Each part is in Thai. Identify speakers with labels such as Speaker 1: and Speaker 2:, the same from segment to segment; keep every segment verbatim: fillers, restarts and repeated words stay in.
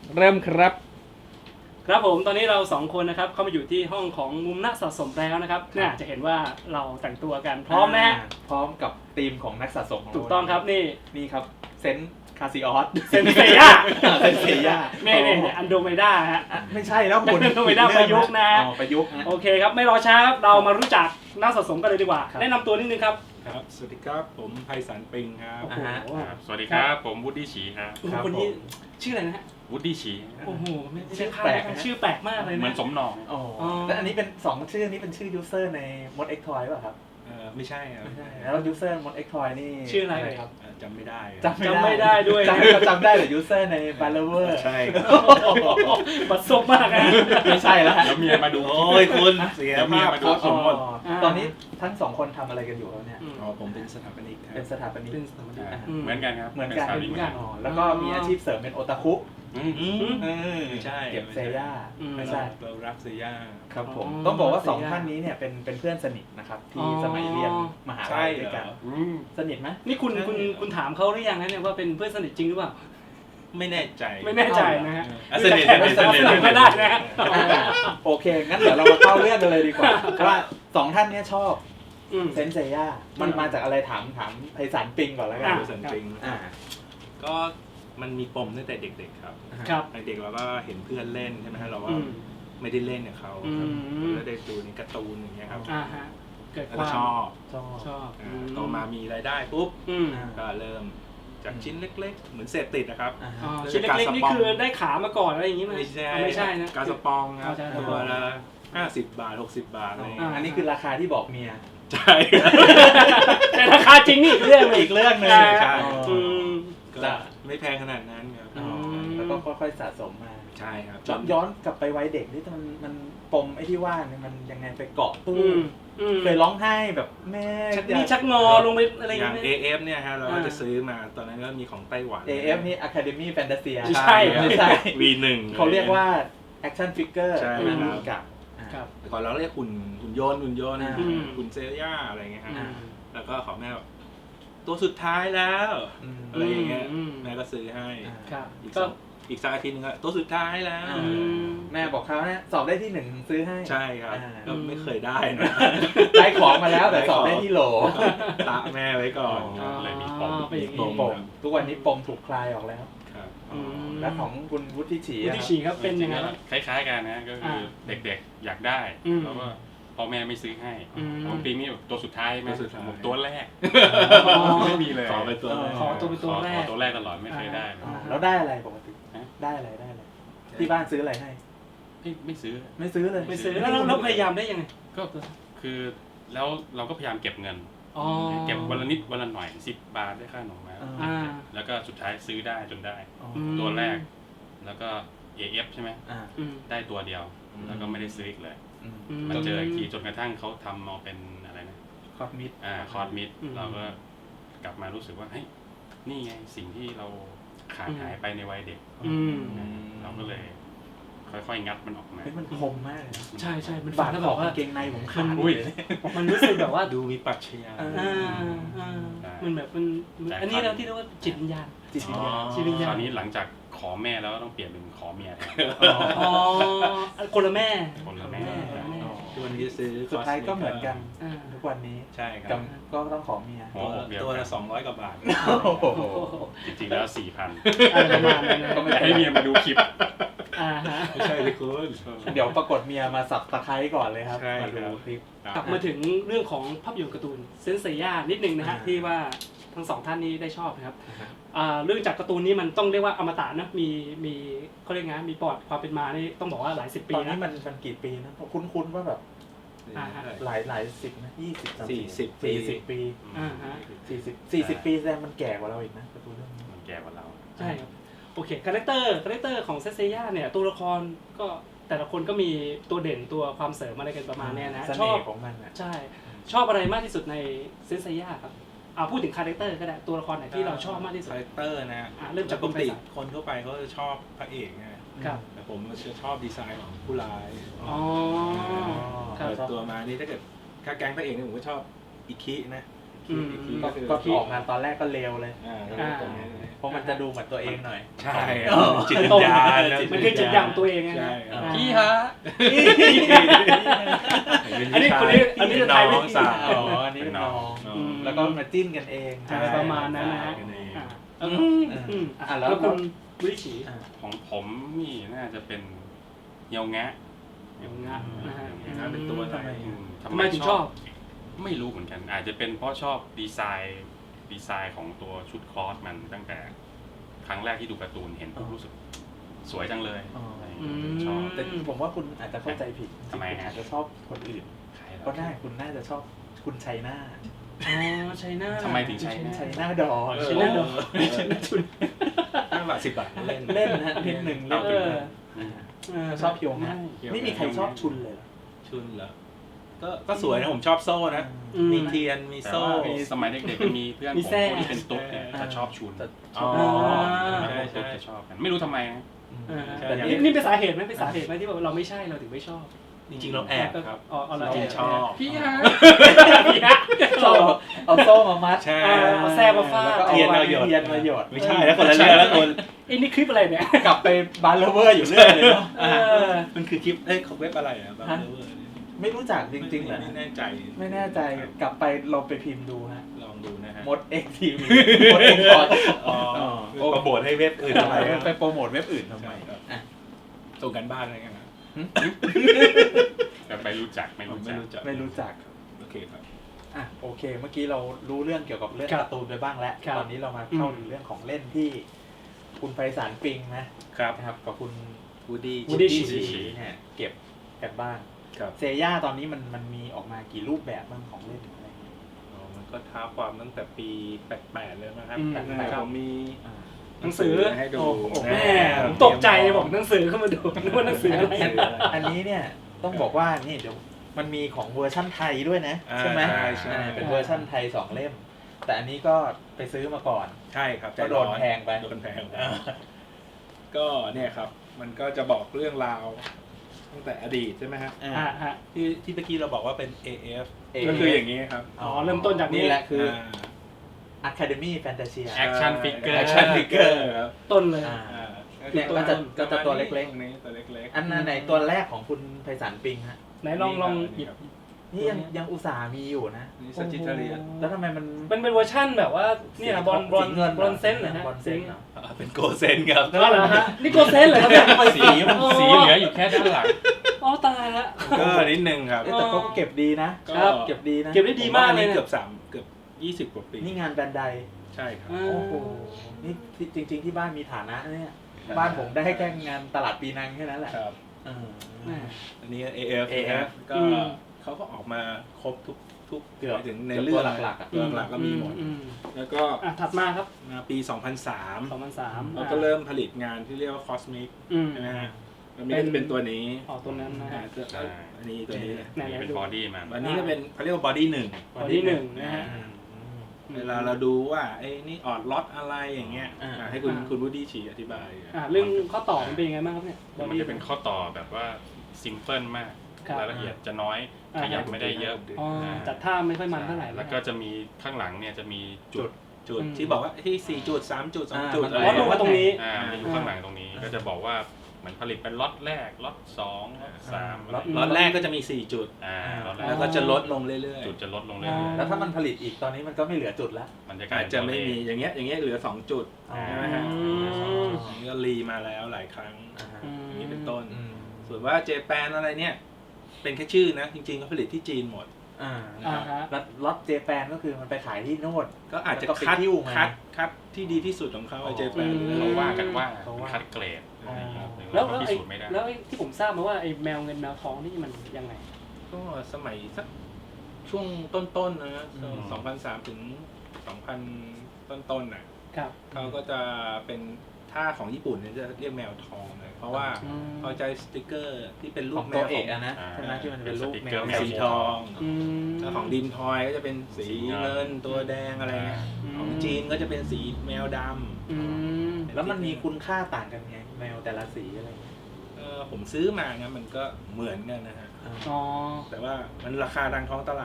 Speaker 1: เริ่มครับ
Speaker 2: ครับผมตอนนี้เราสองคนนะครับเข้ามาอยู่ที่ห้องของมุมนักสะสมแล้วนะครับเนี่ยจะเห็นว่าเราแต่งตัวกันพร้อมนะฮะ
Speaker 3: พร้อมกับธีมของนักสะสมของเรา
Speaker 2: ถูกต้องครับนี่
Speaker 3: นี่ครับเซนคาซิออส
Speaker 2: เซนเซียา
Speaker 3: เซนเซีย
Speaker 2: นี่นี่อันโดเมดาฮะ
Speaker 3: ไม่ใช่แล้วคุณ
Speaker 2: อันโดเมดาประยุกต์นะ
Speaker 3: อ๋อประยุกต์นะ
Speaker 2: โอเคครับไม่รอช้าครับเรามารู้จักนักสะสมกันเลยดีกว่า
Speaker 3: ครับ
Speaker 2: แนะนำตัวนิดนึงครับ
Speaker 4: ครับ สวัสดีครับ ผมไพศาลปิงครับ
Speaker 2: โอ้โห
Speaker 4: ครับ สวัสดีครับ ผมวูดดี้ฉีครับ
Speaker 2: คนนี้ชื่ออะไรนะฮะ
Speaker 4: วูดดี้ฉี
Speaker 2: โอ้โหไม่ใช่พลาดนะครับชื่อแปลกมากเลย
Speaker 4: เหมือ
Speaker 2: นะ
Speaker 4: นสมหนอง
Speaker 3: อ๋อ
Speaker 2: อ๋อ
Speaker 3: แล้วอันนี้เป็นสองชื่อนี้เป็นชื่อยูเซอร์ใน Mod X Toy ป่ะครับ
Speaker 4: เอ่อไม่ใช่ครับ
Speaker 3: ไม่ใช่แล้วยูเซอร์ Mod X Toy นี่
Speaker 2: ชื่ออะไรเลยครับ
Speaker 4: เอ่อจำไม่ได้ครับ
Speaker 3: จำ
Speaker 2: จำไม่ได้ด้วยนะ
Speaker 3: จำจำได้แต่ยูเซอร์ใน b a l l o v e r
Speaker 4: ใช่ครับ
Speaker 2: บัดซบมากนะ
Speaker 3: ไม่ใช่แล้วฮะ
Speaker 4: แล้วเมียมาดู
Speaker 3: โอ้ยคุณ
Speaker 4: เสียเมียมาดู
Speaker 3: อ๋
Speaker 4: สมหมด
Speaker 3: อตอนนี้ทั้งสองคนทำอะไรกันอยู่แล้วเนี่ย
Speaker 2: อืม
Speaker 4: อ๋อผมเป็นสถาปนิกครั
Speaker 3: เป็น
Speaker 4: บ
Speaker 3: สถาปนิก
Speaker 2: เป็นสถาปนิก
Speaker 4: อ่า
Speaker 2: อืม
Speaker 4: เหมือนกันครับ
Speaker 3: เหมือนกัน
Speaker 4: สถาปนิกเหมือนกัน
Speaker 3: อ๋อแล้วก็มีอาชีพเสริมเป็นโอตาคุ
Speaker 4: อืมอืม
Speaker 3: เออ
Speaker 4: ไม่ใช่
Speaker 3: เก็บเซย่า
Speaker 2: อืม
Speaker 3: ไม่ใช่
Speaker 4: เรารักเซย่า
Speaker 3: ครับผม
Speaker 2: อ๋อ
Speaker 3: ต้องบอกว่าสอง
Speaker 2: เซย่า
Speaker 3: ท่านนี้เนี่ยเป็นเป็นเพื่อนสนิทนะครับ
Speaker 2: อ๋
Speaker 3: ที่
Speaker 2: อ
Speaker 3: สมัยเรียนมหาลัยด้วยกัน
Speaker 4: อืม
Speaker 3: สนิทไหม
Speaker 2: นี่คุณคุณคุณถามเขาหรือยังนะเนี่ยว่าเป็นเพื่อนสนิทจริงหรือเปล่า
Speaker 4: ไม่แน่ใจ
Speaker 2: ไม่แน่ใจนะฮะ
Speaker 4: อ่ะสนิท
Speaker 2: แต่
Speaker 4: สนิท
Speaker 2: สนิทก็ได้นะฮะ
Speaker 3: อ่าโอเค งั้นเดี๋ยวเรามาเข้าเรื่องกันเลยดีกว่าว่าสองท่านเนี้ชอบ
Speaker 2: อืม
Speaker 3: เซนเซย่ามันมาจากอะไรถามถามไพศาลปิงก่อนแล้วกัน
Speaker 2: อ่า
Speaker 4: ไพศาลปิง
Speaker 3: อ่า
Speaker 4: ก็มันมีปมตั้งแต่เด็กๆครับ
Speaker 2: ครับ
Speaker 4: เด็กๆเราก็เห็นเพื่อนเล่นใช่ไหมฮะเราก็
Speaker 2: อืม
Speaker 4: ไม่ได้เล่นกับเขา
Speaker 2: อืม
Speaker 4: เราก็ได้ดูในการ์ตูนอย่างเงี้ยครับ
Speaker 2: อ่าฮะเกิด
Speaker 4: แล้ว
Speaker 2: ค
Speaker 4: ก็
Speaker 2: วาม
Speaker 4: ชอบ
Speaker 3: ชอบ
Speaker 2: ชอบ
Speaker 4: อ่าโตมามีรายได้ปุ๊บ
Speaker 2: อืม
Speaker 4: ก็เริ่มจากชิ้นเล็กๆ เหมือนเสพติดนะครับ
Speaker 3: อ่า
Speaker 2: อ๋อ
Speaker 4: แล้ว
Speaker 2: ชิ้นเล็กๆนี่คือได้ขามาก่อนอะไรอย่างงี้ไหม
Speaker 4: ไม่ใช่
Speaker 2: อ่าไม่ใช่นะ
Speaker 4: กาสปองครับ
Speaker 2: อ๋อใช่ครับ
Speaker 4: ตัวละห้าสิบบาทหกสิบบาทอะไรอย่าง
Speaker 3: อ่า
Speaker 4: เงี้ย
Speaker 3: อันนี้คือราคาที่บอกเมีย
Speaker 4: ใช่ครับ
Speaker 2: แต่ราคาจริงนี่อีกเรื่องหนึ่ง
Speaker 3: อีกเรื่องหนึ่ง
Speaker 2: ใช่
Speaker 4: ใช่
Speaker 2: อืม
Speaker 4: ก็ไม่แพงขนาดนั้นครับ
Speaker 3: อ๋อ
Speaker 2: ม
Speaker 3: แล้วก็ค่อยๆสะสมมา
Speaker 4: ใช่ครับ
Speaker 3: ย้อนย้อนกลับไปวัยเด็กนี่มันมันปมไอ้ที่ว่าเนี่ยมันยังไงไปเกาะตู้
Speaker 2: อืมอืม
Speaker 3: เคยร้องไห้แบบแม่
Speaker 2: ชักนี่ชักงอลงไปอะไรอ
Speaker 4: อย่าง
Speaker 2: เงี้
Speaker 4: ย่าง
Speaker 2: ย
Speaker 4: เอ เอฟ เนี่ยฮะเราก็
Speaker 2: อ่า
Speaker 4: จะซื้อมาตอนนั้นก็มีของไต้หวัน
Speaker 3: เอ เอฟ นี่ Academy Fantasia
Speaker 2: ไม่ใช่
Speaker 3: ไม่ใช่
Speaker 4: วี หนึ่ง
Speaker 3: เขาเรียกว่า action figure
Speaker 4: ใช่
Speaker 3: มัน
Speaker 4: ครับ
Speaker 3: มีกับ
Speaker 2: ครับ
Speaker 4: แต่ก่อนเราเรียกหุ่นหุ่นยนต์หุ่นยนต์
Speaker 3: อ่า
Speaker 4: หุ่นเซย่าอะไรอย่างเงี้ยฮะ
Speaker 2: อืม
Speaker 4: แล้วก็ขอแม่แบบตัวสุดท้ายแล้ว
Speaker 3: อืม
Speaker 4: อะไรอย่างเงี้ย
Speaker 2: อืม
Speaker 4: แม่ก็ซื้อให้
Speaker 3: อ่า
Speaker 2: ครับ
Speaker 4: อีก
Speaker 2: ก็
Speaker 4: สักอีกสักอาทิตย์นึงก็ตัวสุดท้ายแล้ว
Speaker 3: อ่า
Speaker 2: อืม
Speaker 3: แม่บอกเขาเนี่ยสอบได้ที่หนึ่งซื้อให้
Speaker 4: ใช่ครับ
Speaker 3: อ่า
Speaker 4: ก็ไม่เคยได้นะ
Speaker 3: ได้ของมาแล้วแต่สอบได้ที่โหล
Speaker 4: ตะแม่ไว้ก่อน
Speaker 2: อ๋อ
Speaker 4: เลยมีปม
Speaker 2: เป็นอย่างนี้
Speaker 4: มี
Speaker 3: ปมทุกวันนี้ปมถูกคลายออกแล้ว
Speaker 4: ครับ
Speaker 2: อืม
Speaker 3: แล้วของคุณวุฒิฉี
Speaker 2: วุ
Speaker 3: อะ
Speaker 2: ฒิฉีครับเป็นยังไงบ้าง
Speaker 5: คล้ายๆกันนะก็คืออา เด็กๆอยากได้
Speaker 2: อืม
Speaker 5: แล้วก็พ่อแม่ไม่ซื้อให้
Speaker 2: อืม
Speaker 5: บางปีนี่แบบตัวสุดท้ายไหม
Speaker 4: ตัวสุดท้าย
Speaker 5: ผมตัวแรก
Speaker 2: อ๋อ
Speaker 5: ไม่มีเลย
Speaker 4: ขอไปตัวแรก
Speaker 2: ขอตัวเป็นตัวแร
Speaker 5: ขอก ตัวแรกตลอดไม่เคยได้
Speaker 3: อ่าแล้วได้อะไรปกติ
Speaker 5: ฮะ
Speaker 3: ได้อะไรได้อะไรที่บ้านซื้ออะไรให้
Speaker 5: ไม่ไม่ซื้อ
Speaker 3: ไม่ซื้อเลย
Speaker 2: ไม่ซื้อแล้วแล้วแล้วพยายามได้ยังไง
Speaker 5: ก็คือแล้วเราก็พยายามเก็บเงิน
Speaker 2: อ๋อ
Speaker 5: เก็บวันละนิดวันละหน่อยสิบบาทได้ค่าขนมมา
Speaker 3: อ่า
Speaker 2: อ่า
Speaker 5: แล้วก็สุดท้ายซื้อได้จนได้
Speaker 3: อ๋อ
Speaker 2: อืม
Speaker 5: ตัวแรก แล้วก็ เอ เอฟ ใช่ไหม
Speaker 3: อ่า
Speaker 2: อืม
Speaker 5: ได้ตัวเดียว แล้วก็ไม่ได้ซื้ออีกเลย
Speaker 3: อืม
Speaker 2: อืม
Speaker 5: มาเจออีกทีจนกระทั่งเขาทำมาเป็นอะไรนะ
Speaker 3: คอสมิด
Speaker 5: อ่าคอร์ดมิด
Speaker 2: อืม
Speaker 5: เราก็กลับมารู้สึกว่าเฮ้ยนี่ไงสิ่งที่เราขาดหายไปในวัยเด็ก
Speaker 2: อืม
Speaker 5: เราก็เลย ค่อยๆงัดมันออกมา
Speaker 3: เฮ้ยมันคมมากเลยนะ
Speaker 2: ใช่ใช่มัน
Speaker 3: บา
Speaker 2: ฟัง
Speaker 3: ด
Speaker 2: แล้ว
Speaker 3: ข
Speaker 2: แบ
Speaker 3: อบบ
Speaker 2: ว่า
Speaker 3: กางเกงในผมขาด
Speaker 5: อุ้ย
Speaker 3: เลย
Speaker 2: มันรู้สึกแบบว่า
Speaker 4: ดูมีปรัชญา
Speaker 3: เออ
Speaker 2: อ่าอ่ามันแบบมันมันอันนี้เราที่เรียกว่าจิตวิญญาณ
Speaker 3: จิตวิญญาณ
Speaker 2: จิตวิญญาณ
Speaker 5: ตอนนี้หลังจากขอแม่แล้วก็ต้องเปลี่ยนเป็นขอเมียแทน
Speaker 2: อ๋อคนละแม่
Speaker 5: คนละแม่
Speaker 2: คนละแม่
Speaker 4: ทุกวันนี้ซื้อ
Speaker 3: สุดท้ายก็เหมือนกัน
Speaker 2: อ่า
Speaker 3: ทุกวันนี้
Speaker 4: ใช่ค
Speaker 3: กั
Speaker 4: รั
Speaker 3: บบ ก็ต้องขอเมีย
Speaker 5: หัว
Speaker 4: ตัว
Speaker 5: อกเดียว
Speaker 4: ตัว
Speaker 5: กั
Speaker 4: ละ
Speaker 5: น
Speaker 4: สองร้อยกว่าบาท
Speaker 3: โอ้โห
Speaker 5: จริงๆแล้วสี่พัน
Speaker 2: อะไรประมาณนั้นนะ
Speaker 3: ก็ไม่
Speaker 5: ให้เมียมาดูคลิป
Speaker 2: อ่าฮะ
Speaker 4: ไม่ใช่เลยคุณ
Speaker 3: เดี๋ยวปรากฏเมียมาสับตะไคร้ก่อนเลยครับ
Speaker 4: ใช่
Speaker 3: มาดู
Speaker 4: ครับ
Speaker 3: คลิป
Speaker 2: กลับมาถึงเรื่องของภาพยนตร์การ์ตูนเซนเซียนิดนึงนะฮะ
Speaker 3: อ่า
Speaker 2: ที่ว่าทั้งสองท่านนี้ได้ชอบนะครับ
Speaker 3: อ่าฮะ
Speaker 2: อ่าเรื่องจากการ์ตูนนี้มันต้องเรียกว่าอมตะนะมีมีเขาเรียกไงมีปอดความเป็นมานี่ต้องบอกว่าหลายสิบปี
Speaker 3: ตอนนี้
Speaker 2: นะ
Speaker 3: มันมันกี่ปีนะคุ้นๆว่าแบบ
Speaker 2: อ่าฮะ
Speaker 3: หลายหลายสิบนะยี่สิบาม
Speaker 4: สี่สิบปี
Speaker 3: สี่สิบปี
Speaker 2: อ่าฮะ
Speaker 3: สี่สิบสี่สิบปีแสดงมันแก่กว่าเราอีกนะการ์ตูนเรื่องนี้
Speaker 5: มันแก่กว่าเรา
Speaker 2: ใช่ครับโอเคคาแรคเตอร์คาแรคเตอร์ของเซนเซียเนี่ยตัวละครก็แต่ละคนก็มีตัวเด่นตัวความเสริมอะไรกันประมาณเนี้ยนะ
Speaker 3: เส
Speaker 2: ช
Speaker 3: น่
Speaker 2: อบ
Speaker 3: ห์ของมันอ่ะ
Speaker 2: ใช่ชอบอะไรมากที่สุดในเซนเซียครับอ่าพูดถึงคาแรคเตอร์ก็ได้ตัวละครไหนที่เราชอบมากที่สุด
Speaker 4: คาแรคเตอร์นะ
Speaker 2: อ่ะเริ่มจาก
Speaker 4: ปกติ
Speaker 2: คุณไพศาล
Speaker 4: คนทั่วไปเขาจะชอบพระเอกไง
Speaker 2: ครับ
Speaker 4: แต่ผมจะชอบดีไซน์ของผู้ร้าย
Speaker 2: อ๋อครับ
Speaker 4: เปิดตัวมานี่ถ้าเกิดถ้าแก๊งพระเอกเนี่ยผมก็ชอบอิคินะ
Speaker 2: อืม
Speaker 4: คีย์
Speaker 3: ก็
Speaker 4: ก็คือ
Speaker 3: ก็ออกงานตอนแรกก็เลวเลย
Speaker 4: อ่า
Speaker 2: อ่า
Speaker 4: ตรงนี้
Speaker 3: เพราะมันจะดูเหมือนตัวเองหน่อย
Speaker 4: ใช่
Speaker 3: อ๋อ
Speaker 4: จิตวิญญาณนะ
Speaker 2: มันคือจิตยามตัวเองไง
Speaker 4: ใช่
Speaker 2: นะ
Speaker 4: ครับ
Speaker 5: พี่ฮะ
Speaker 2: อันนี้คนนี้อันนี้จะทายไม่
Speaker 4: น้อง
Speaker 2: ดี
Speaker 4: สาว
Speaker 3: อ๋ออันนี้เป็นน้อง
Speaker 2: อืม
Speaker 3: แล้วก็มาจิ้นกันเอง
Speaker 2: อะไรประมาณนั้นนะฮะ
Speaker 4: กันเอง
Speaker 2: อ่า
Speaker 3: อืม
Speaker 2: อืม
Speaker 3: อ่ะแล้ว
Speaker 2: แล้วคุณวิริชี
Speaker 3: อ่า
Speaker 5: ของผมนี่น่าจะเป็นเหี่ยวแงะ
Speaker 2: เดี๋ยวงะนะฮะ
Speaker 4: เหี่ยวงะเป็นตัวอะไร
Speaker 5: อืม
Speaker 2: ทำไมถึงชอบ
Speaker 5: ไม่รู้เหมือนกัน อาจจะเป็นเพราะชอบดีไซน์ดีไซน์ของตัวชุดคลอสมันตั้งแต่ครั้งแรกที่ดูการ์ตูนเห็นปุ๊บรู้สึก สวยจังเลย
Speaker 3: อ๋ออ
Speaker 5: ะไรอย่างเงี้ยชอบ
Speaker 3: แต่ผมว่าคุณอาจจะเข้าใจผิด
Speaker 5: ทำไม
Speaker 3: คุณ
Speaker 5: ฮะ
Speaker 3: อาจจะชอบคนอื่น
Speaker 5: ใครเหรอ
Speaker 3: ก็ได้คุณน่าจะชอบคุณชัยนาท
Speaker 2: อ๋อชัยนาท
Speaker 5: ทำไมถึงใช้
Speaker 3: ชัยนาทดอ
Speaker 2: ชัยนาทดอชัยนาทชุน
Speaker 4: ห้าบาทสิบบาทเล่น
Speaker 3: เล่นนะนิดหนึ่ง
Speaker 2: เอ
Speaker 3: เล่น
Speaker 2: อ
Speaker 3: อ่า
Speaker 2: เออ
Speaker 3: ชอบเพียวงะ
Speaker 4: เพียวงะ
Speaker 3: ไม่มีใครชอบชุนเลยเหรอ
Speaker 4: ชุนเหรอก็ก็สวยนะผมชอบโซ่นะ
Speaker 2: อืม
Speaker 4: มีเทียนมี
Speaker 5: แต่
Speaker 4: โซ่
Speaker 5: ว่าสมัยเด็กๆมันมีเพื่อน
Speaker 2: มี
Speaker 5: ผม
Speaker 2: แทร่
Speaker 5: คนที่เป็นตุ๊กเนี่ยจะชอบชุน
Speaker 3: แต่
Speaker 4: อ๋อ
Speaker 5: ใช่
Speaker 4: ใช่
Speaker 5: ตุ๊ก
Speaker 4: ใช่
Speaker 5: จะชอบกัน ไม่รู้ทำไมนะ
Speaker 2: เออ
Speaker 4: ใช่
Speaker 2: แต่นี่นี่เป็นสาเหตุไหมเป็นสาเหตุไหมที่แบบเราไม่ใช่เราถึงไม่ชอบ
Speaker 4: จริงๆเราแอบครับ
Speaker 2: อ๋อเอาเรา
Speaker 4: เรา
Speaker 2: แอบ
Speaker 4: ชอบ
Speaker 5: พี่ฮะ
Speaker 2: พี่ฮะ
Speaker 3: ชอบเอาโซ่มามัด
Speaker 4: ใช่
Speaker 2: เอาแทร่มาฟาด
Speaker 3: แล้วก็
Speaker 4: เทียนมาหยด
Speaker 3: เทียนมาหยด
Speaker 4: ไม่ใช่แล้วคนละเรื่องแล้วคน
Speaker 2: ไอ้นี่คลิปอะไรเนี่ย
Speaker 3: กลับไปบาร์เลเวอร์อยู่เรื่อยเลยเนาะ
Speaker 2: เออ
Speaker 4: มันคือคลิปเอ้ยของเว็บอะไรอ่ะแบบเวอร์
Speaker 3: ไม่รู้จักจริงๆเหรอ
Speaker 4: ไม่แน่ใจ
Speaker 3: ไม่แน่ใจกลับไปเราไปพิมพ์ดูฮะ
Speaker 4: ลองดูนะฮะ
Speaker 3: มดเอ็กทีวีมดเอ็กพอด
Speaker 4: อ๋อโปรโมทให้เว็บอื่น
Speaker 3: ทำ
Speaker 4: ทำ
Speaker 3: ไม
Speaker 4: ไม
Speaker 3: ไปโปรโมทเว็บอื่นทำไม
Speaker 4: ใช่ครับ
Speaker 3: อ่ะ
Speaker 4: ส่งกันบ้านอะไรกันนะ
Speaker 5: แต่ไม่รู้จักไม่รู้
Speaker 4: ไม่
Speaker 5: จัก
Speaker 4: รู้จัก
Speaker 3: ไม่รู้จัก
Speaker 4: โอเคครับ
Speaker 3: อ่ะโอเค เมื่อกี้เรารู้เรื่องเกี่ยวกับเรื่อง
Speaker 2: ครับ
Speaker 3: การ์ตูนไปบ้างแล้ว
Speaker 2: ครับ
Speaker 3: ตอนนี้เรามาเข้า
Speaker 2: อืม
Speaker 3: ถึงเรื่องของเล่นที่คุณไพศาลปิงนะครับ นะครับกับคุณ
Speaker 4: วูดี้
Speaker 2: Woody
Speaker 3: ฉี
Speaker 2: ฉี
Speaker 3: เนี่ยเก็บกันบ้าง
Speaker 4: ครับ
Speaker 3: เซย่าตอนนี้มันมันมีออกมากี่รูปแบบบ้างของเล่นอะไรอย่างเงี้ย
Speaker 4: อ๋อมันก็ท้าความตั้งแต่ปีแปดแปดเลยนะครับ
Speaker 2: อืม
Speaker 4: นะครับผมมี
Speaker 3: อ่า
Speaker 2: หนังสือ
Speaker 4: ให้ดู
Speaker 2: โอ้โห
Speaker 4: นะ
Speaker 2: แม่ผมตกใจบอกหนังสือเข้ามาดูนึกว่าหนังสืออะไร
Speaker 3: อันอันนี้เนี่ยต้องบอกว่านี่เดี๋ยวมันมีของเวอร์ชั่นไทยด้วยนะ
Speaker 4: อ่า
Speaker 3: ใช่ไหม
Speaker 4: ใช่ใช่
Speaker 3: อ่าเป็นเวอร์ชั่นไทยสองเล่ม แต่อันนี้ก็ไปซื้อมาก่อน
Speaker 4: ใช่ครับ
Speaker 3: ก็โดนแพงไป
Speaker 4: โดนแพงไป
Speaker 3: อ่า
Speaker 4: ก็เนี่ยครับ มันก็จะบอกเรื่องราวตั้งแต่อดีตใช่ไหมฮะ
Speaker 3: อ่า
Speaker 2: อ่ะฮะ
Speaker 4: ที่ที่เมื่อกี้เราบอกว่าเป็น เอ เอฟ
Speaker 3: เอ เอฟ
Speaker 4: ก็คืออย่างนี้ครับ
Speaker 2: อ๋อเริ่มต้นจากนี้
Speaker 3: นี่แหละคือ
Speaker 4: อ่า
Speaker 3: Academy Fantasia
Speaker 5: Action Figure
Speaker 3: Action Figure
Speaker 4: ครับ
Speaker 2: ต้นเลย
Speaker 3: อ่า
Speaker 4: อ่า
Speaker 3: เนี่ยก็จะก็จะตัวเล็กๆ
Speaker 4: ตรงนี้ตัวเล็กๆ
Speaker 3: อันนั้นไหนตัวแรกของคุณไพศาลปิงฮะ
Speaker 2: ไหนลองลองหยิบ
Speaker 3: นี่ยังยังอุตส่าห์มีอยู่นะ
Speaker 4: นี่สจิตเรียน
Speaker 3: แล้วทำไมมัน
Speaker 2: มันเป็นเวอร์ชั่นแบบว่าเนี่ยบอลบอล
Speaker 3: สีเงิน
Speaker 2: บอลเซนเหรอฮะ
Speaker 3: บอลเซนเหรอ
Speaker 4: อ่าเป็นโกเซนครับ
Speaker 2: แล้วเหรอฮะนี่โกเซนเหรอครับเนี่ย
Speaker 5: สีมันสีเหลืออยู่แค่ด้านหลัง
Speaker 2: อ๋อตายละ
Speaker 4: ก็นิดนึงครับ
Speaker 3: เอ้ยแต่เขาก็เก็บดีนะ
Speaker 4: ก็
Speaker 2: ครับ
Speaker 3: เก็บดีนะ
Speaker 2: เก็บได้ดีมากเลย
Speaker 4: ผว่
Speaker 2: นะ
Speaker 4: เกือบสามเกือบยี่สิบกว่าปี
Speaker 3: นี่งานแบรนด์ใด
Speaker 4: ใช่ครับ
Speaker 2: อ่า
Speaker 3: โอ้โห นี่ที่จริง ๆ ที่บ้านมีฐานะนะเนี่ย บ้านผมได้แค่งานตลาดปีนังแค่นั้นแหละ
Speaker 4: ครับ
Speaker 3: เออ
Speaker 2: แม่
Speaker 4: อันนี้ เอ เอฟ
Speaker 3: เอ เอฟ
Speaker 4: ก็
Speaker 2: อืม
Speaker 4: เขาก็ออกมาครบทุกทุก
Speaker 3: เกือบ
Speaker 4: หมายถึงใน
Speaker 3: เกือบ
Speaker 4: เรื่อง
Speaker 3: ตัวหลักๆอะ
Speaker 4: ตัวหลักๆก็มีหมด
Speaker 2: อืม
Speaker 4: แล้วก็
Speaker 2: อ่ะถัดมาครับ
Speaker 4: มาปี สองพันสาม
Speaker 2: สองพันสาม
Speaker 4: เราก็เริ่มผลิตงานที่เรียกว่า Cosmic
Speaker 2: อืม
Speaker 4: ใช่ไหมฮะแล้วมีก็จะเป็นตัวนี้
Speaker 2: ออกตัวนั้นนะ
Speaker 4: อ่า
Speaker 2: ฮะ
Speaker 4: ตัว
Speaker 5: ใช่
Speaker 4: อันนี้ตัวนี้
Speaker 2: ไหน
Speaker 5: นี่
Speaker 2: ๆ
Speaker 5: เป็น
Speaker 2: ดู
Speaker 5: บอดี้มัน
Speaker 4: อันนี้ก็เป็นเขาเรียกว่า Body หนึ่ง
Speaker 2: บอดี้หนึ่งนะฮะ
Speaker 3: อืม
Speaker 4: เวลาเราดูว่าไอ้นี่ออดล็อตอะไรอย่างเงี้ย
Speaker 3: อ่า
Speaker 4: อ่าให้คุณ
Speaker 2: อ่า
Speaker 4: คุณวูดดี้ฉีอธิบาย
Speaker 2: อ่ะเรื่องข้อต่อมันเป็นยังไงบ้างครับเนี่ย
Speaker 5: มันจะเป็นข้อต่อแบบว่าซิมเพิลมาก
Speaker 2: ครับ
Speaker 5: รายละเอียดจะน้อย
Speaker 2: อ่า
Speaker 5: ขยับไม่ได้เยอะ
Speaker 2: อ๋อจัดท่าไม่ค่อยมันเท่าไหร่
Speaker 5: แล้วก็จะมีข้างหลังเนี่ยจะมีจุด
Speaker 4: จุด
Speaker 2: อืม
Speaker 4: ที่บอกว่าที่สี่จุดสามจุดสอง
Speaker 3: อ่า
Speaker 4: จุด
Speaker 3: มัน
Speaker 4: อะไร
Speaker 2: อ๋อดูมาตรงนี้
Speaker 5: อ่าจะอยู่ข้างหลังตรงนี้ก็จะบอกว่าเหมือนผลิตเป็นล็อตแรกล็อตสองล็อตสาม
Speaker 3: ล็อต
Speaker 4: ล็อตแรกก็จะมีสี่จุด
Speaker 5: อ่าล็อตแร
Speaker 2: อ๋
Speaker 5: ก
Speaker 4: แล้วก็จะลดลงเรื่อย
Speaker 5: จุดจะลดลงเรื่
Speaker 2: อ๋
Speaker 5: อย
Speaker 2: อ
Speaker 3: แล้วถ้ามันผลิตอีกตอนนี้มันก็ไม่เหลือจุดแล้ว
Speaker 5: ๆมันจะ
Speaker 4: ๆ
Speaker 5: กลาย
Speaker 4: อาจ
Speaker 5: เป็น
Speaker 4: จะไม่
Speaker 5: ตัวเล
Speaker 4: มี
Speaker 5: ข
Speaker 4: อย่างเงี้ยอย่างเงี้ยเหลือสองจุด
Speaker 3: อ๋อ
Speaker 4: ใช่ไหมฮะ
Speaker 2: อืม
Speaker 4: อันนี้ก็รีมาแล้วหลายครั้ง
Speaker 3: อ่าฮะ
Speaker 2: อืม
Speaker 4: อย่างนี้เป็นต้น
Speaker 3: อืม
Speaker 4: ส่วนว่าเจแปนอะไรเนี่ย เป็นแค่ชื่อนะ จริงๆก็ผลิตที่จีนหมด
Speaker 3: อ่า
Speaker 2: อ่าฮะ
Speaker 3: แล้วล็อตเจแปนก็คือมันไปขายที่โน่น
Speaker 4: ก็อาจจะ
Speaker 3: แล้วก็ไป
Speaker 4: คัด
Speaker 3: หิ้วมา
Speaker 4: คัดคัดที่ดีที่สุดของเขาไอ้เจแปน
Speaker 2: อืม
Speaker 5: เขาว่ากันว่า
Speaker 3: เขาว่า
Speaker 5: คัดเกรด
Speaker 3: อ๋อ
Speaker 2: แล้
Speaker 5: แล้ว ว
Speaker 2: แล้ว
Speaker 5: พิ
Speaker 2: ไอ้
Speaker 5: สูจน์ไม่ได้
Speaker 2: แล้วไอ้ที่ผมทราบมาว่าไอ้แมวเงินแมวทองนี่มันยังไง
Speaker 4: ก็สมัยสักช่วงต้นๆนะ
Speaker 3: อืม
Speaker 4: สองพันสามถึงสองพันต้นๆน่ะ
Speaker 2: ครับ
Speaker 4: เขาก็จะเป็นท่าของญี่ปุ่นเนี่ยจะเรียกแมวทองเลยเพราะว่า
Speaker 2: อืม
Speaker 4: เขาใช้สติกเกอร์ที่เป็นรู
Speaker 3: ขอ
Speaker 4: ป
Speaker 3: ง
Speaker 4: แม
Speaker 3: ตัว
Speaker 4: ว
Speaker 3: เอ
Speaker 4: ขอก ง
Speaker 3: อะนะ
Speaker 5: อ่า
Speaker 3: ใช่ไหมที่มันเป็นรูปแม
Speaker 5: เป็นสติ๊กเกอ
Speaker 3: ว
Speaker 5: ร์แมว
Speaker 4: สีทอง
Speaker 2: อืม
Speaker 4: แล้วของดินทอยก็จะเป็นสีเงินตัวแดงอะไรเงี้ย
Speaker 2: อืม
Speaker 4: ของจีนก็จะเป็นสีแมวดำ
Speaker 2: อืม
Speaker 3: แล้วมันมีคุณค่าต่างกันไงแมวแต่ละสีอะไรเงี้ย
Speaker 4: เออผมซื้อมานะมันก็เหมือนกันนะฮะ
Speaker 3: อ่า
Speaker 2: อ๋อ
Speaker 4: แต่ว่ามันราคาทางท้องตลาดอะ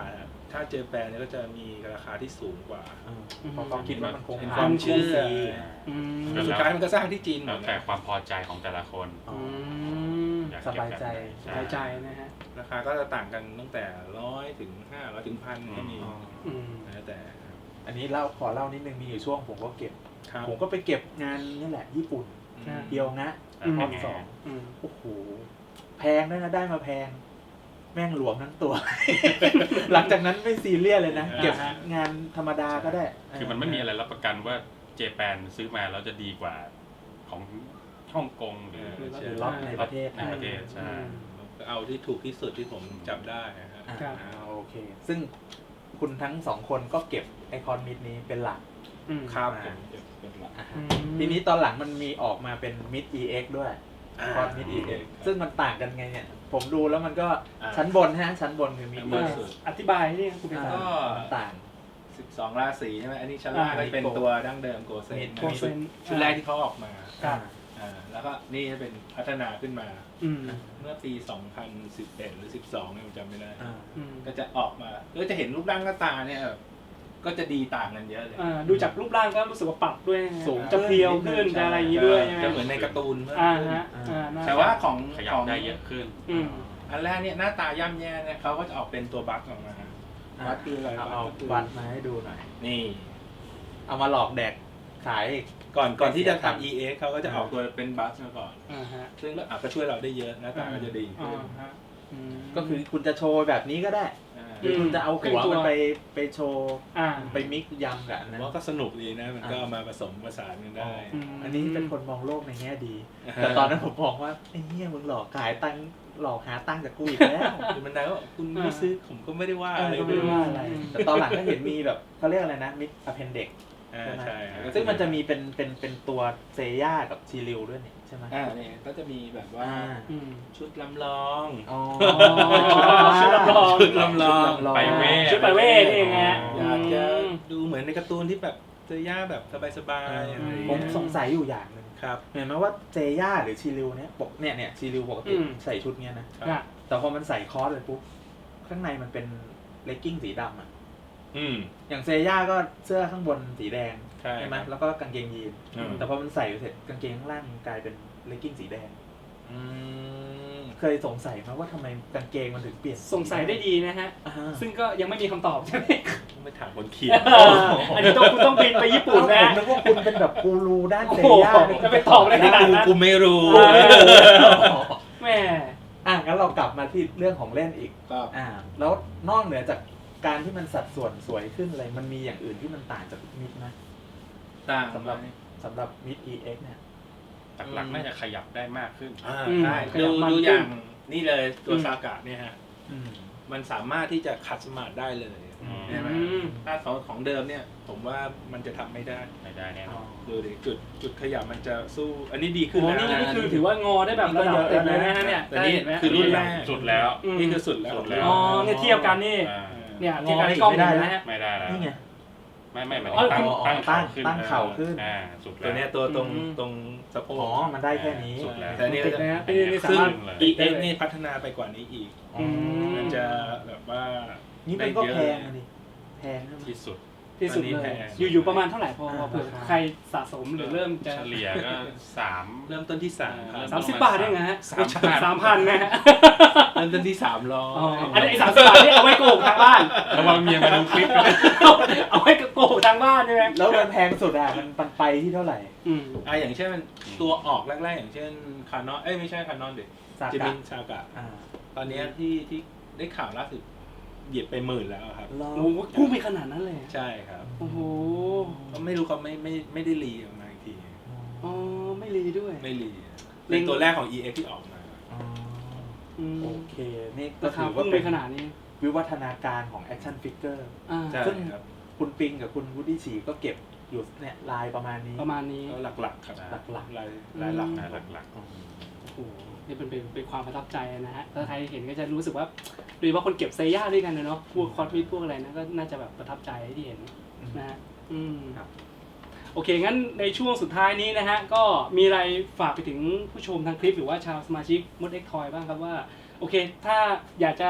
Speaker 4: ถ้าเจแปนเนี่ยก็จะมีราคาที่สูงกว่า
Speaker 3: เออเพราะเขาคิดว่ามันคง
Speaker 4: เป็น
Speaker 3: ผ่าน
Speaker 4: ความเชื่อ
Speaker 3: ซี
Speaker 2: อืม
Speaker 5: แล้ว
Speaker 4: สุดท้ายมันก็สร้างที่จีนหม
Speaker 5: แล้ว
Speaker 4: ด
Speaker 5: แต่
Speaker 4: นะ
Speaker 5: ความพอใจของแต่ละคน
Speaker 3: อ๋อ
Speaker 2: ม
Speaker 5: อยาก
Speaker 3: สบายใจ
Speaker 5: เก็
Speaker 2: สบายใจนะฮะ
Speaker 4: ราคาก็จะต่างกันตั้งแต่ร้อยถึงห้าร้อยถึงพันก็มี
Speaker 3: อ๋อ
Speaker 2: อืม
Speaker 4: แล้วแต่ครับ
Speaker 3: อันนี้เล่าขอเล่านิดนึงมีอยู่ช่วงผมก็เก็บ
Speaker 4: ครับ
Speaker 3: ผมก็ไปเก็บงานนี่แหละญี่ปุ่น
Speaker 4: อืม
Speaker 3: เดียวงะ
Speaker 5: อืม
Speaker 3: รอบสอง
Speaker 2: อืม
Speaker 3: โอ้โหแพงด้วยนะได้มาแพง แม่งหลวมทั้งตัว หลังจากนั้นไม่ซีเรียสเลยนะ เก็บงานธรรมดาก็ได้
Speaker 5: คือมันไม่มีอะไรรับประกันว่าเจแปนซื้อมาแล้วจะดีกว่าของฮ่องกงหรือ
Speaker 3: หรือล็อตในประเทศ
Speaker 5: ในประเทศใช่
Speaker 4: ก็เอาที่ถูกที่สุดที่ผมจับได้นะฮะ
Speaker 3: อ่า
Speaker 2: ครับ
Speaker 3: โอเค ซึ่งคุณทั้งสองคนก็เก็บไอคอนมิดนี้เป็นหลัก
Speaker 2: อืม
Speaker 4: ครับ
Speaker 3: อ่า
Speaker 4: ผมจะเป็นหลัก
Speaker 3: อ่ะ
Speaker 2: อื
Speaker 3: ฮะ
Speaker 2: ม
Speaker 3: ทีนี้ตอนหลังมันมีออกมาเป็นมิด อี เอ็กซ์ ด้วย
Speaker 4: อ่า
Speaker 3: คอนมิด อี เอ็กซ์ ซึ่งมันต่างกันไงเนี่ย ผมดูแล้วมันก็
Speaker 4: อ่า
Speaker 3: ชั้นบนฮะ ชั้นบนคือมิด
Speaker 4: บน
Speaker 3: อี
Speaker 4: สุด
Speaker 2: อธิบายนี่คุณเป็น
Speaker 3: อ่า
Speaker 2: ก็
Speaker 3: มันต่าง
Speaker 4: สิบสองราศีใช่ไหมอันนี้ชั้นล่างก็จะเป็นตัวดั้งเดิมโกเซน
Speaker 2: โกเซน
Speaker 4: ชุดแรกที่เขาออกมา
Speaker 2: ครับ
Speaker 4: อ่าแล้วก็นี่จะเป็นพัฒนาขึ้นมา
Speaker 2: อืม
Speaker 4: เมื่อปี สองพันสิบเอ็ด หรือ สิบสองเนี่ยผมจำไม่ได้
Speaker 3: อ่า
Speaker 2: อืม
Speaker 4: ก็จะออกมาก็จะเห็นรูปร่างหน้าตาเนี่ยแบบก็จะดีต่างกันเยอะเลย
Speaker 2: อ่าดูจากรูปร่างก็รู้สึกว่าปรับด้วยนะฮะ
Speaker 3: สูง
Speaker 2: จะเพรียวขึ้นจะอะไรอย่างนี้ด้วยใช่ไหม
Speaker 4: จะเหมือนในการ์ตูนเมื่อ
Speaker 2: อ่า
Speaker 4: ขึ้น
Speaker 2: ฮะอ่าน่า
Speaker 4: แต่ว่าของ
Speaker 5: ขยั
Speaker 4: ข
Speaker 5: บ
Speaker 4: อง
Speaker 5: ได้เยอะขึ้น
Speaker 2: อืม
Speaker 4: อันแรกเนี่ยหน้าตาย่ำแย่เนี่ยเขาก็จะออกเป็นตัวบั๊กออกมา
Speaker 3: อ่ะ
Speaker 4: บั๊กคืออะไร
Speaker 3: เอา
Speaker 4: บั๊
Speaker 3: เอา
Speaker 4: กก็คือ
Speaker 3: วัดมาให้ดูหน่อย
Speaker 4: นี่
Speaker 3: เอามาหลอกแดกขายอีก
Speaker 4: ก่อนก่อนที่จะ
Speaker 3: ไม่เสียตังค์
Speaker 4: ทำ อี เอ็กซ์ เขาก็จะออกตัวเป็นบั๊กมาก่อน
Speaker 2: อ่าฮะ
Speaker 4: ซึ่งก็อ่ะก็ช่วยเราได้เยอะหน้าตาก็จะดี
Speaker 2: อ่า
Speaker 4: ขึ้น
Speaker 2: ฮะอืม
Speaker 3: ก็คือคุณจะโชว์แบบนี้ก็ได้
Speaker 4: อ่า
Speaker 3: หรือคุณจะเอาหัวมันไปไปโชว์
Speaker 2: อ่า
Speaker 3: ไปมิกซ์ยำกับอัน
Speaker 4: ผม
Speaker 3: นั้น
Speaker 4: ว่าก็สนุกดีนะ มันก็เอามาผสมผสานกันได้
Speaker 2: อืม
Speaker 3: อันนี้เป็นคนมองโลกในแง่ดี แต่ตอนนั้นผมมองว่าไอ้เหี้ยมึงหลอกขายตังค์หลอกหาตังค์จากกูอีกแล้ว
Speaker 4: คือมันได้ว่าคุณไม่ซื้อผมก็ไม่ได้ว่า
Speaker 3: เอ
Speaker 4: อะไร
Speaker 3: อก็ไม่ได้ว่าอะไร แต่ตอนหลังก็เห็นมีแบบเขาเรียกอะไรนะมิดอะเพนเด็ก
Speaker 4: อ่าใช่ครับ
Speaker 3: ซึ่งมันจะมีเป็นเป็นเป็นตัวเซย่ากับชีริวด้วยนี่ใช่ไหม
Speaker 4: อ่าเนี่ยก็จะมีแบบว่า
Speaker 3: อ่า
Speaker 2: อืม
Speaker 4: ชุดลำลอง
Speaker 3: อ๋อ
Speaker 2: ชุดลำลอง
Speaker 4: ชุดลำลอง
Speaker 5: ไปเวท
Speaker 2: ชุดไปเวทนี่เองฮะ
Speaker 4: อยากจะดูเหมือนในการ์ตูนที่แบบเซย่าแบบสบายๆอะไรอย่าง
Speaker 3: ผม
Speaker 4: เงี้ย
Speaker 3: สงสัยอยู่อย่างหนึ่ง
Speaker 4: ครับ
Speaker 3: เห็นไหมว่าเซย่าหรือชีริวเนี่ยปกเนี่ยเนี่ยชีริวปกติ
Speaker 2: อืม
Speaker 3: ใส่ชุดเนี้ยนะ
Speaker 2: อ่ะ
Speaker 3: แต่พอมันใส่คอสเลยปุ๊บข้างในมันเป็นเลกกิ้งสีดำอ่ะ
Speaker 4: อืม
Speaker 3: อย่างเซย่าก็เสื้อข้างบนสีแดง
Speaker 4: ใช่
Speaker 3: ไหม
Speaker 4: ครับ
Speaker 3: แล้วก็กางเกงยีน
Speaker 4: อืม
Speaker 3: แต่พอมันใส่ไปเสร็จกางเกงข้างล่างกลายเป็นเลกกิ้งสีแดง
Speaker 4: อืม
Speaker 3: เคยสงสัยไหมว่าทำไมกางเกงมันถึงเปลี่ยน
Speaker 2: สงสัยได้ดีนะฮะ
Speaker 3: อ่า
Speaker 2: ซึ่งก็ยังไม่มีคำตอบใช่ไหม
Speaker 4: ไม่ถามคนเขียน
Speaker 2: เอออันนี้ต้องคุณต้องบินไปญี่ปุ่นนะ
Speaker 3: ผมนึกว่าคุณเป็นแบบกูรูด้าน
Speaker 2: โอ้
Speaker 3: เซ
Speaker 2: โห
Speaker 3: ย่า
Speaker 2: จะไปตอบอะไรขนาดนั้น
Speaker 4: กูไม่รู้
Speaker 2: เออ แม่
Speaker 3: อ่ะงั้นเรากลับมาที่เรื่องของเล่นอีก
Speaker 4: ก็
Speaker 3: อ่า แล้วนอกเหนือจากการที่มันสัดส่วนสวยขึ้นอะไรมันมีอย่างอื่นที่มันต่างจากมิดไหม
Speaker 4: ต่าง
Speaker 3: สำหรับสำหรับมิด อี เอ็กซ์ เนี่ย
Speaker 5: หลักๆน่าจะขยับได้มากขึ้น
Speaker 4: อ่า
Speaker 2: อืม
Speaker 4: ใช่
Speaker 2: ขยั
Speaker 4: ดู
Speaker 2: บมัน
Speaker 4: ดู
Speaker 2: ขึ้น
Speaker 4: อย่างนี่เลยตัว
Speaker 2: อืม
Speaker 4: ซากะเนี่ยฮะ
Speaker 3: อืม
Speaker 4: มันสามารถที่จะคัดสมาร์ทได้เลย
Speaker 5: อืม
Speaker 4: ใช่ไหม
Speaker 2: อืม
Speaker 4: ถ้าของของเดิมเนี่ย ผมว่ามันจะทำไม่ได้
Speaker 5: ไม่ได้แน่นอน
Speaker 4: ดูดิจุดจุดขยับมันจะสู้ อันนี้ดี
Speaker 2: โอ้
Speaker 4: ขึ้น
Speaker 2: โห
Speaker 4: แล้ว
Speaker 2: นี่
Speaker 4: นะ
Speaker 2: นี่คือถือว่างอได้แบบระดับเต็มเลยนะฮะเนี่ย
Speaker 4: แต่นี่
Speaker 2: ได้เห็นไหม
Speaker 4: คือรุ่นแรก
Speaker 5: สุดแล้ว
Speaker 2: อืม
Speaker 4: นี่คือสุดแล้ว
Speaker 5: สุดแล้ว
Speaker 2: อ๋อเนี่ยเทียบกันนี่
Speaker 5: อ่า
Speaker 2: เนี่ยเทียบกันในกล้องเห็นไหมฮะ
Speaker 5: ไม่ได้แล้ว
Speaker 3: นี่ไง
Speaker 5: ไม่ไม่หมาย
Speaker 2: อ๋
Speaker 5: ถึ
Speaker 2: อ
Speaker 5: งตั้ง
Speaker 3: ตั้
Speaker 5: ตั้
Speaker 3: ง
Speaker 5: งเข่าขึ้น
Speaker 3: ตั้งเข่าขึ้น
Speaker 5: อ่าสุด
Speaker 4: ตัว
Speaker 5: แล้ว
Speaker 4: เนี้ยตัวตรง
Speaker 2: อืม
Speaker 4: ตรงสะโพ
Speaker 3: อ๋อ
Speaker 4: ก
Speaker 3: มันได้แค่นี้
Speaker 5: สุดแล้ว
Speaker 4: แต่เนี่ย
Speaker 2: ติดนะฮะนี่นี่สา
Speaker 4: ซึ่ง
Speaker 2: มารถ
Speaker 4: อีเอ็กนี่พัฒนาไปกว่านี้อีก
Speaker 3: อ๋อ
Speaker 4: มันจะแบบว่า
Speaker 3: นี่มันก็แพงอะดิแพงนะ
Speaker 5: ที่สุด
Speaker 2: ที่สุด
Speaker 4: อันนี้
Speaker 2: เลย
Speaker 4: แพง
Speaker 2: อยู่ๆประมาณเท่าไหร่พอ
Speaker 3: อ่า
Speaker 2: เผื่อใครสะสมหรือเริ่มจะ
Speaker 5: เฉลี่ยก็สาม
Speaker 4: เริ่มต้นที่สาม
Speaker 5: เริ่ม
Speaker 2: สามสิบบาทได้ไงฮะ
Speaker 5: สามพัน
Speaker 2: สามพันนะฮะ
Speaker 4: เริ่มต้นที่สามร้อ
Speaker 2: อ๋อย อันนี้สามสิบบาทนี่เอาไว้โกหกทางบ้าน
Speaker 5: ระวังเมียมาดูคลิปนะ
Speaker 2: เอาไว้โกหกทางบ้านใช่ไหม
Speaker 3: แล้วมันแพงสุดอ่ะมันมันไปที่เท่าไหร่
Speaker 2: อืม
Speaker 4: อ่ะอย่างเช่นมันตัวออกแรกๆอย่างเช่นคานอนเอ้ยไม่ใช่คานอนดิ
Speaker 3: ซา
Speaker 4: จิ
Speaker 3: กะ
Speaker 4: มินชากะ
Speaker 3: อ่า
Speaker 4: ตอนเนี้ยที่ที่ได้ข่าวล่าสุดเหยียบไปหมื่นแล้วครับ
Speaker 3: ลอง
Speaker 2: โอ้โหพุ่งไปขนาดนั้นเลย
Speaker 4: ใช่ครับ
Speaker 2: โอ้โห
Speaker 4: ก็ไม่รู้เขาไม่ไม่ไม่ได้รีออกมาอีกที
Speaker 2: อ๋อไม่รีด้วย
Speaker 4: ไม่รี
Speaker 2: เล็
Speaker 4: เป็
Speaker 2: ง
Speaker 4: นตัวแรกของ อี เอ็กซ์ ที่ออกมา
Speaker 3: อ๋อ
Speaker 2: อืม
Speaker 3: โอเค นี่ก็
Speaker 2: ราคา
Speaker 3: ถือ
Speaker 2: พุ่
Speaker 3: ว่าง
Speaker 2: ไป
Speaker 3: เป็น
Speaker 2: ขนาดนี้
Speaker 3: วิวัฒนาการของแอคชั่นฟิกเกอร์
Speaker 2: อ่า
Speaker 4: ใช่
Speaker 3: ซึ่ง
Speaker 4: ครับ
Speaker 3: คุณปิงกับคุณวูดดี้ฉีก็เก็บอยู่เนี่ยลายประมาณนี้
Speaker 2: ประมาณนี้
Speaker 4: ก็หลักๆครับ
Speaker 3: หลักๆ
Speaker 4: ลายลายหลัก
Speaker 5: อ่าหลัก
Speaker 3: อ๋อ
Speaker 2: โอ้โหนี่เป็นเป็นเป็นความประทับใจนะฮะถ้าใครเห็นก็จะรู้สึกว่าโดยเฉพาะคนเก็บเซย่าด้วยกันนะเนาะพวกคอสมิพวกอะไรนะก็น่าจะแบบประทับใจที่เห็นนะฮะอืม
Speaker 3: ครับ
Speaker 2: โอเคงั้นในช่วงสุดท้ายนี้นะฮะก็มีอะไรฝากไปถึงผู้ชมทางคลิปหรือว่าชาวสมาชิกมดเอ็กทอยบ้างครับว่าโอเคถ้าอยากจะ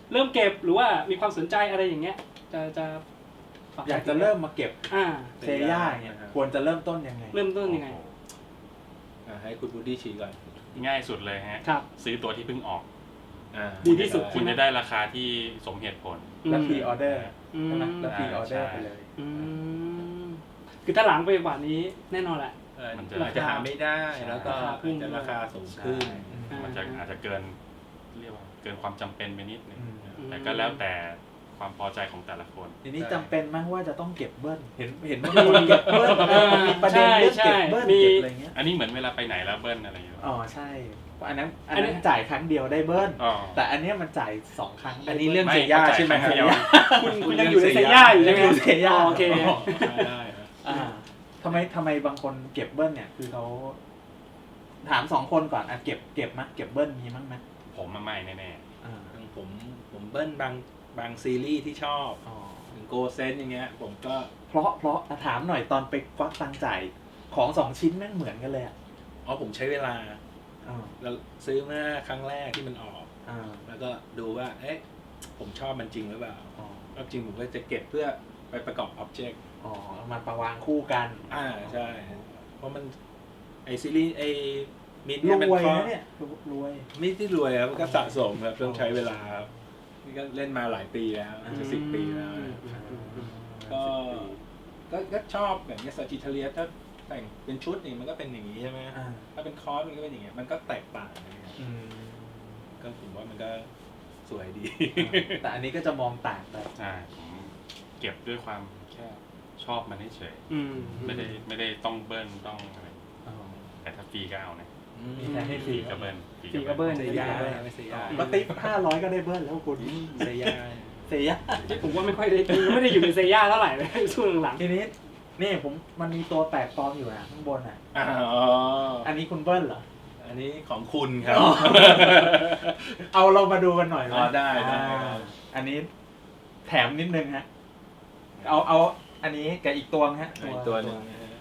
Speaker 2: เริ่มเก็บหรือว่ามีความสนใจอะไรอย่างเงี้ยจะจะฝ
Speaker 3: อยากจะเริ่มมาเก็บ
Speaker 2: อ่า
Speaker 3: เซย่าเนี่ยควรจะเริ่มต้นยังไง
Speaker 2: เริ่มต้นยังไง
Speaker 4: อ่ะให้คุณบูดดี้ชี้ก่อน
Speaker 5: ง่ายสุดเลยฮะ
Speaker 2: ครับ
Speaker 5: ซื้อตัวที่เพิ่งออก
Speaker 4: อ่า
Speaker 2: ดีที่สุด
Speaker 5: คุณจะได้ราคาที่สมเหตุผล
Speaker 3: แล้วพรีออเดอร์
Speaker 2: อืม
Speaker 3: ใช่ไหมแล้วพรีออเดอร์
Speaker 5: ใช่
Speaker 3: ไปเลย
Speaker 2: อืมคือถ้าหลังไปกว่านี้แน่นอนแหละ
Speaker 4: เออ
Speaker 5: มันจะ
Speaker 4: อาจจะหาไม่ได้แล้วก็
Speaker 2: ราคาขึ้น
Speaker 4: จะราคาสูงขึ้น
Speaker 2: อ่ามั
Speaker 5: มันจะอาจจะเกินเรียกว่าเกินความจำเป็นไปนิดนึง
Speaker 3: อืม
Speaker 5: แต่ก็แล้วแต่ความพอใจของแต่ละคน
Speaker 3: ทีนี้จำเป็นไหมว่าจะต้องเก็บเบิ้ลเห็นเห็นว่ามีคนเก็บเบิ้ล
Speaker 2: เออ
Speaker 3: มีประเด็นเรื่อง
Speaker 2: ใช่
Speaker 3: เก็บเบิ้ล
Speaker 2: มี
Speaker 3: เก็บอะไรเงี้ย
Speaker 5: อันนี้เหมือนเวลาไปไหนแล้วเบิ้ลอะไรอย่างเงี้ย
Speaker 3: อ๋อใช่อันนั้นอัน
Speaker 2: อันนี้
Speaker 3: นั้นจ่ายครั้งเดียวได้เบิ้ล
Speaker 5: อ๋อ
Speaker 3: แต่อันเนี้ยมันจ่ายสองครั้ง
Speaker 4: อันนี้เรื่อง
Speaker 5: ไม่
Speaker 4: เซย่า
Speaker 5: เข้าใจ
Speaker 4: ใช่ไหม
Speaker 5: ครั้งเดียว
Speaker 2: คุณคุณยังอยู่ในเซย่าอยู่ใช่ไหม
Speaker 3: ยังอยู่เซย่า
Speaker 2: อ๋อโอเค
Speaker 4: ได้ครับ
Speaker 3: อ่าทำไมทำไมบางคนเก็บเบิ้ลเนี่ยคือเขาถามสองคนก่อนอ่ะเก็บเก็บมั้ยเก็บเบิ้ลมีมั้งไหม
Speaker 5: ผมมาไม่แน่
Speaker 3: อ่า
Speaker 4: ผมผมเบิ้ลบางบางซีรีส์ที่ชอบ
Speaker 3: อ๋อ
Speaker 4: อย่างโกเซนอย่างเงี้ย ผมก็
Speaker 3: เพราะเพราะอ่ะถามหน่อยตอนไปควักตังค์จ่ายของสองชิ้นแม่งเหมือนกันเลยอ่ะ
Speaker 4: อ๋อผมใช้เวลา
Speaker 3: อ่า
Speaker 4: แล้วซื้อเมื่อครั้งแรกที่มันออก
Speaker 3: อ่า
Speaker 4: แล้วก็ดูว่า เอ๊ะ ผมชอบมันจริงหรือเปล่า
Speaker 3: อ๋อ
Speaker 4: ชอบจริงผมก็จะเก็บเพื่อไปประกอบอ็อบเจกต์
Speaker 3: อ๋อเอามาประวางคู่กัน
Speaker 4: อ่าใช่ เพราะมันไอซีรีส์ไอมิด
Speaker 3: ร
Speaker 4: เนี่ยมัน
Speaker 3: วย
Speaker 4: ข้อ
Speaker 3: นะเนี่ยรวย
Speaker 4: ไม่ที่รวยครับมันก็สะสมครับต้องใช้เวลาครับนี่ก็เล่นมาหลายปีแล้วจะสิบปีแล้วนะก็ ก็ก็ชอบแบบนี้ซาจิเทเลียถ้าแต่งเป็นชุดนี่มันก็เป็นอย่างนี้ใช่ไหม
Speaker 3: อ่า
Speaker 4: ถ้าเป็นคอร์สมันก็เป็นอย่างเงี้ยมันก็แตกต่างนะครับ
Speaker 3: อืม
Speaker 4: ก็ผมว่ามันก็สวยดี
Speaker 3: แต่อันนี้ก็จะมองต่างไป
Speaker 5: ๆใช่ผมเก็บด้วยความแค่ชอบมันเฉย
Speaker 2: อืม
Speaker 5: ๆไม่ได้ไม่ได้ต้องเบิ้ลต้องอะไร
Speaker 3: อ๋อ
Speaker 5: แต่ถ้าฟรีก็เอานะ
Speaker 3: มีแทนให้ฟรี
Speaker 5: ก็เบิ้ล
Speaker 2: ฟรีก็เบิ้ล
Speaker 4: เซ
Speaker 2: ฟรี
Speaker 4: ย่า
Speaker 2: ก็เบิ้ล
Speaker 4: ไม่เซย่า
Speaker 3: ก็ติ๊บห้าร้อยก็ได้เบิ้ลแล้วคุณ
Speaker 4: เซย่า
Speaker 3: เสีย
Speaker 2: ผมว่าไม่ค่อยได้ไม่ได้อยู่ในเซย่าเท่าไหร่เลยช่วงหลัง
Speaker 3: ทีนี้นี่ผมมันมีตัวแปลกปลอมอยู่นะข้างบนอ่ะ
Speaker 4: อ๋อ
Speaker 3: อันนี้คุณเบิ้ลเหรอ
Speaker 4: อันนี้ของคุณครับ
Speaker 3: อ๋อ เอาเรามาดูกันหน่อยไหม
Speaker 4: อ๋อได้ได้
Speaker 3: อ่าอันนี้แถมนิดนึงฮะ เอาเอาอันนี้กับอีกตัวฮะ
Speaker 4: อีกตัวหนึ่งนะฮะ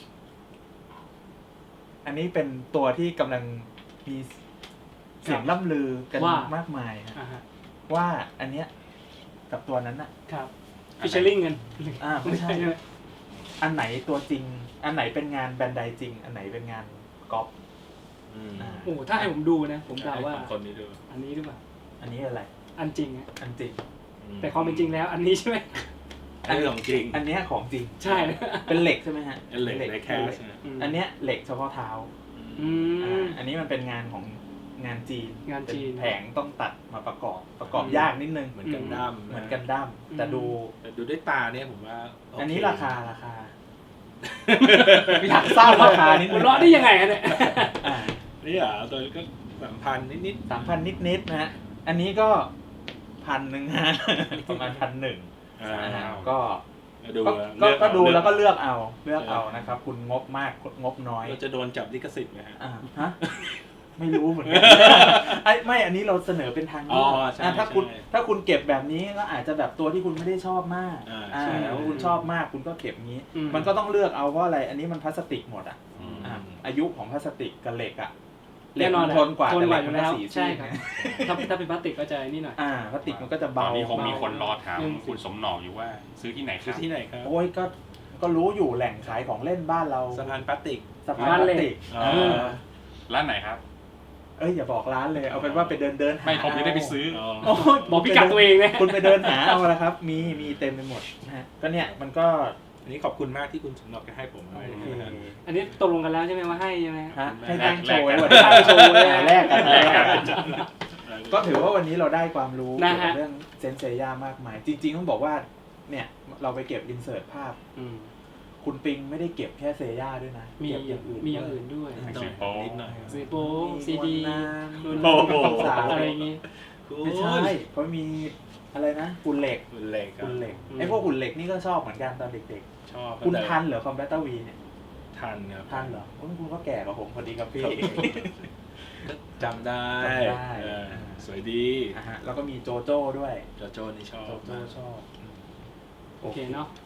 Speaker 3: อันนี้เป็นตัวที่กำลังมีเสียงล่ำลือกัน
Speaker 2: ว่า
Speaker 3: มากมายฮะ
Speaker 2: อ่าฮะ
Speaker 3: ว่าอันเนี้ยกับตัวนั้นน่ะ
Speaker 2: ครับฟิชเชอร์ลิงกัน
Speaker 3: อ่าไม่ใช่ อันไหนตัวจริง อันไหนเป็นงานแบรนด์ใดจริง อันไหนเป็นงานก๊อป
Speaker 4: อืม
Speaker 3: อ่า
Speaker 2: โอ้ถ้าให้ผมดูนะ ผมเดาว่า
Speaker 4: ให้คนนี้ดู
Speaker 2: อันนี้หรือเปล่า
Speaker 3: อันนี้อะไร
Speaker 2: อันจริงอะ
Speaker 3: อันจริง
Speaker 2: แต่ความเป็นจริงแล้ว อันนี้ใช่ไหม
Speaker 4: อันนี้ของจริง
Speaker 3: อันเนี้ยของจริง
Speaker 2: ใช่
Speaker 3: เป็นเหล็กใช่ไหมฮะ
Speaker 4: เป็นเหล็กในแคส
Speaker 3: เป็นเหล็ก
Speaker 4: นะ
Speaker 2: ม
Speaker 3: อันเนี้ยเหล็กเฉพาะเท้า
Speaker 2: อื
Speaker 3: อ่าม อันนี้มันเป็นงานของงานจีน
Speaker 2: งานจีน
Speaker 3: เป็แผงต้องตัดมาประกอบ ประกอบยากนิดนึง
Speaker 4: เหมือนกันดั้ม
Speaker 3: เหมือนกันดั้มแต่ดู
Speaker 4: แต่ดูด้วยตาเนี่ยผมว่าโเค
Speaker 3: อันนี้ราคาราคา อยากทราบราคานิด
Speaker 2: หั
Speaker 3: นึ
Speaker 2: ว
Speaker 3: ง
Speaker 2: เราะได้ยังไงฮะเนี่ย
Speaker 3: อ่า
Speaker 4: นี่เหรอตัวก็สามพันนิด
Speaker 3: สามพันนิดๆนะฮะ อันนี้ก็พันหนึ่งฮะ ประมาณพันหนึ่ง
Speaker 4: ๆอ่า
Speaker 3: อ่าก็
Speaker 4: ดู
Speaker 3: ก็
Speaker 4: เลื
Speaker 3: ก็
Speaker 4: อก
Speaker 3: ก็ดู
Speaker 4: เลือก
Speaker 3: แล้วก็เลือกเอาเลือกเอานะครับ คุณงบมากงบน้อย
Speaker 4: เราจะโดนจับลิขสิทธิ์ไหมฮะ
Speaker 3: อ่าฮะไม่รู้เหมือนกัน ไอ้ไม่อันนี้เราเสนอเป็นทาง
Speaker 4: อ๋
Speaker 3: เลื
Speaker 4: อ
Speaker 3: อก
Speaker 4: ใช่
Speaker 3: อ่ะถ้าคุณ
Speaker 4: ใช่
Speaker 3: ถ้าคุณเก็บแบบนี้ก็อาจจะแบบตัวที่คุณไม่ได้ชอบมาก
Speaker 4: อ่า
Speaker 3: อ่า
Speaker 4: ใช่
Speaker 3: แล้วคุณชอบมากคุณก็เก็บงี้
Speaker 2: อืม
Speaker 3: มันก็ต้องเลือกเอาเพราะอะไร อันนี้มันพลาสติกหมดอ่ะ
Speaker 5: อืม
Speaker 3: อ่ะอายุของพลาสติกกับเหล็กอ่ะเหล็
Speaker 2: แน่
Speaker 3: ก
Speaker 2: นอน
Speaker 3: มันทนกว่า
Speaker 2: ทน
Speaker 3: แต่
Speaker 2: ก
Speaker 3: เหล็
Speaker 2: ว่าก อ
Speaker 3: มั
Speaker 2: ยู่
Speaker 3: น
Speaker 2: แล้ว
Speaker 3: สี
Speaker 2: ใช่
Speaker 3: ซีด
Speaker 2: ครับ
Speaker 3: นะ
Speaker 2: ถ้าถ้าเป็นพลาสติกก็จะนี่หน่อย
Speaker 3: อ่าพลาสติกมันก็จะ
Speaker 5: ตอ
Speaker 3: เบาน
Speaker 5: นี้คงมี
Speaker 2: เบา
Speaker 5: คนรอถาม
Speaker 2: อืม
Speaker 5: คุณสมหนอกอยู่ว่า ซื้อที่ไหนค
Speaker 4: คือ
Speaker 5: รับ
Speaker 4: ที่ไหนครับ
Speaker 3: โอ้ยก็ก็รู้อยู่แหล่งขายของเล่นบ้านเรา
Speaker 4: สะพานพลาสติก
Speaker 3: สะพานพลาสติก
Speaker 4: อ๋อ
Speaker 3: เออ
Speaker 5: ร้านไหนครับ
Speaker 3: เอ้ยอย่าบอกร้านเลยเอาเป็นว่าไปเดินเดินหา
Speaker 5: ไม่ผมจะได้ไปซื้อ
Speaker 4: อ๋อ
Speaker 3: โอ้ย
Speaker 2: บอกพิกัดตัวเองนะ
Speaker 3: คุณไปเดินหาเอาละครับ มีมีเต็มไปหมดนะฮะก็เนี่ยมันก็
Speaker 4: อันนี้ขอบคุณมากที่คุณสมนอกให้ผม
Speaker 3: โอ
Speaker 4: ด้วย
Speaker 3: เค
Speaker 4: นะฮะ
Speaker 2: อันนี้ตกลงกันแล้วใช่ไหมว่าให้ใช่ไหม
Speaker 3: ฮะให้
Speaker 5: แล
Speaker 3: ตั้
Speaker 5: ก
Speaker 3: งโชว์ไว้
Speaker 5: แลก
Speaker 3: วันนี้ตั้งโชว์ไว้แรกกัน
Speaker 5: แลกกัน
Speaker 3: ก็ถือว่าวันนี้เราได้ความรู้
Speaker 2: นะ
Speaker 3: เกี่ยว
Speaker 2: ฮะ
Speaker 3: กับเรื่องเซนเซย่ามากมาย จริงๆต้องบอกว่าเนี่ยเราไปเก็บอินเสิร์ตภาพ
Speaker 2: อืม
Speaker 3: คุณปิงไม่ได้เก็บแค่เซย่าด้วยนะ
Speaker 2: มี
Speaker 3: เก็บอย่างอื่น
Speaker 2: มีอย่างอื่นด้วย
Speaker 3: ด้วย
Speaker 5: หนังสือโป๊
Speaker 4: นิดหน่อย
Speaker 2: ซีโป้ซีดี
Speaker 3: รุ่น
Speaker 4: โอ้โห
Speaker 3: สาว
Speaker 2: อะไรอย่างงี้
Speaker 3: ไม่ใช่เขามีอะไรนะหุ่นเหล็ก
Speaker 4: คุณเหล็กครับ
Speaker 3: หุ่นเหล็ก
Speaker 2: อืม
Speaker 3: ไอ้พวกหุ่นเหล็กนี่ก็ชอบเหมือนกันตอนเด็ก
Speaker 4: ชอบ
Speaker 3: ๆ คุณทันเหรอคอมแบตเตอร์วีเนี่ย
Speaker 4: ทันครับ
Speaker 3: ทันเหรอโอ้ยคุณก็แก่กว่าผมพอดีครับพี่
Speaker 4: ก็จำได้
Speaker 3: จำได้
Speaker 4: เออสวยดี
Speaker 3: อ่ะฮะแล้วก็มีโจโจ้ด้วย
Speaker 4: โจโจนี่ชอบ
Speaker 3: โจโจ้ชอบ
Speaker 2: โอเคเนาะ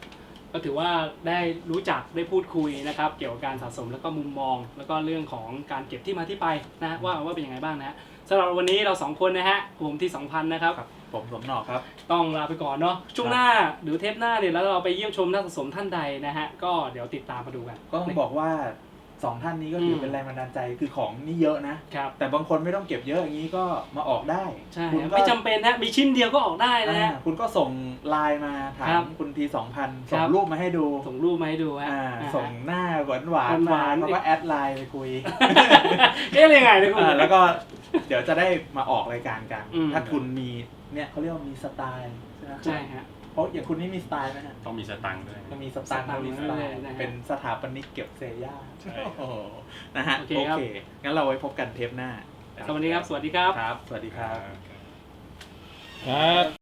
Speaker 2: ก็ถือว่าได้รู้จักได้พูดคุยนะครับเกี่ยวกับการสะสมแล้วก็มุมมอง แล้วก็เรื่องของการเก็บที่มาที่ไปนะว่าว่าเป็นยังไงบ้างนะสำหรับวันนี้เราสองคนนะฮะผมที่สองพันนะครับ
Speaker 3: ครับผมสมหนอกครับ
Speaker 2: ต้องลาไปก่อนเนาะช่วงหน้าหรือเทปหน้าเนี่ยแล้วเราไปเยี่ยมชมนักสะสมท่านใดนะฮะก็เดี๋ยวติดตามมาดูกัน
Speaker 3: ก็ต้องบอกว่าสองท่านนี้ก็ถือเป็นแรงบันดาลใจคือของนี่เยอะนะ
Speaker 2: ครับ
Speaker 3: แต่บางคนไม่ต้องเก็บเยอะอย่างนี้ก็มาออกได้
Speaker 2: ใช่
Speaker 3: คุณ
Speaker 2: ครับ
Speaker 3: ก็
Speaker 2: ไม่จำเป็นนะมีชิ้นเดียวก็ออกได้นะ
Speaker 3: อ่า
Speaker 2: ฮะ
Speaker 3: คุณก็ส่งไลน์มาถา
Speaker 2: ครั
Speaker 3: ม
Speaker 2: บ
Speaker 3: คุณทีสองพัน
Speaker 2: ครั
Speaker 3: ส่ง
Speaker 2: บ
Speaker 3: รูปมาให้ดู
Speaker 2: ส่งรูปมาให้ดูฮะ
Speaker 3: อ่า
Speaker 2: อ่า
Speaker 3: ส่งหน้าหวานหวาน
Speaker 2: ห
Speaker 3: มาว
Speaker 2: านๆ
Speaker 3: แล้วก็แอดไลน์ไปคุย
Speaker 2: เอ๊ะอะไรยังไงเนี่ยคุณ
Speaker 3: อ่าแล้วก็เดี๋ยวจะได้มาออกรายการกัน
Speaker 2: อืม
Speaker 3: ถ้าคุณมีเนี่ยเขาเรียกว่ามีสไตล์ใช่ไหม
Speaker 2: ใช่ฮะ
Speaker 3: เพราะอย่างคุณนี่มีสไตล์ไหมฮะ
Speaker 5: ต้องมีสตังค์ด้วย
Speaker 3: ก็มีสไตล์
Speaker 2: สไตล์
Speaker 3: มีสไตล์
Speaker 2: นะฮะ
Speaker 3: เป็นสถาปนิกเก็บเซย่า
Speaker 5: ใช่
Speaker 3: โอ้โหนะฮะ
Speaker 2: โอเค
Speaker 3: โอ
Speaker 2: ครับ
Speaker 3: เคงั้นเราไว้พบกันเทปหน้า
Speaker 2: สวัสดีครับ สวัสดีครับ
Speaker 3: ครับ สวัสดีครับ
Speaker 4: ครับ